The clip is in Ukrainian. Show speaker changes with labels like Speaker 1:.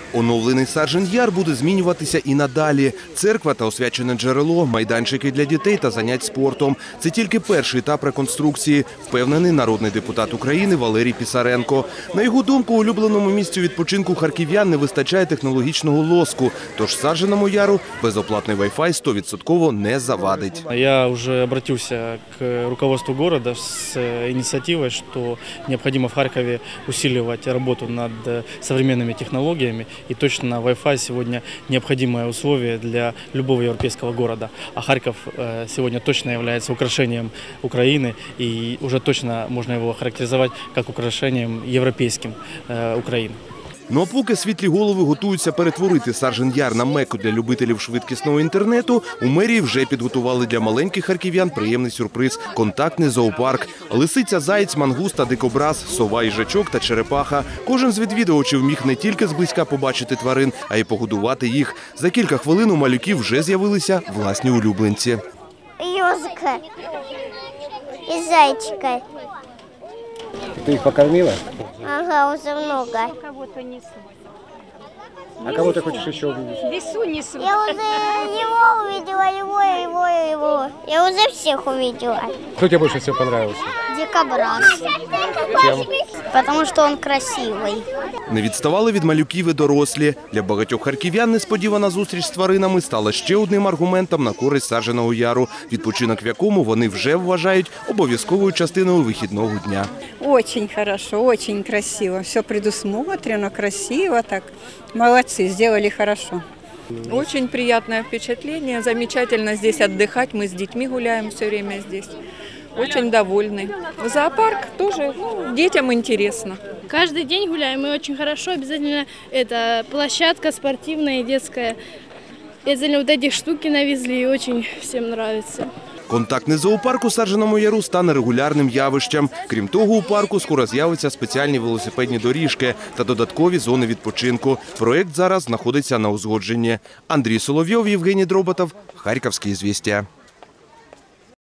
Speaker 1: Оновлений Саржен Яр буде змінюватися і надалі. Церква та освячене джерело, майданчики для дітей та занять спортом. Це тільки перший етап реконструкції, впевнений народний депутат України Валерій Писаренко. На його думку, улюбленому місцю відпочинку харків'ян не вистачає технологічного лоску. Тож Сарженому Яру безоплатний Wi-Fi 100% не завадить.
Speaker 2: Я уже обратился к руководству города с инициативой, что необходимо в Харькове усиливать работу над современными технологиями. И точно Wi-Fi сегодня необходимое условие для любого европейского города. А Харьков сегодня точно является украшением Украины, и уже точно можно его характеризовать как украшением европейским Украины.
Speaker 1: Ну а поки світлі голови готуються перетворити Саржен Яр на мекку для любителів швидкісного інтернету, у мерії вже підготували для маленьких харків'ян приємний сюрприз – контактний зоопарк. Лисиця, заєць, мангуста, дикобраз, сова, їжачок та черепаха. Кожен з відвідувачів міг не тільки зблизька побачити тварин, а й погодувати їх. За кілька хвилин у малюків вже з'явилися власні улюбленці.
Speaker 3: Ёжика и зайчика.
Speaker 4: Ты их покормила?
Speaker 3: Ага, уже много.
Speaker 5: Кого-то несут.
Speaker 4: А кого ты хочешь еще увидеть?
Speaker 5: Лесу несут.
Speaker 3: Я уже его увидела, его. Я уже всех увидела.
Speaker 4: Кто тебе больше всего понравился?
Speaker 3: Дикобраз.
Speaker 4: Чем?
Speaker 3: Потому что он красивый.
Speaker 1: Не відставали від малюків і дорослі. Для багатьох харків'ян несподівана зустріч з тваринами стала ще одним аргументом на користь Сарженого Яру, відпочинок в якому вони вже вважають обов'язковою частиною вихідного дня.
Speaker 6: Очень хорошо, очень красиво. Все предусмотрено, красиво так. Молодцы, сделали хорошо.
Speaker 7: Очень приятное впечатление. Замечательно здесь отдыхать. Мы с детьми гуляем все время здесь. Очень довольны. Зоопарк тоже, детям интересно.
Speaker 8: Каждый день гуляем, и очень хорошо. Обязательно это площадка спортивная и детская. Обязательно вот эти штуки навезли, и очень всем нравится.
Speaker 1: Контактний зоопарк у Сарженому Яру стане регулярним явищем. Крім того, у парку скоро з'являться спеціальні велосипедні доріжки та додаткові зони відпочинку. Проєкт зараз знаходиться на узгодженні. Андрій Соловйов, Євгеній Дроботов, Харківські звістя.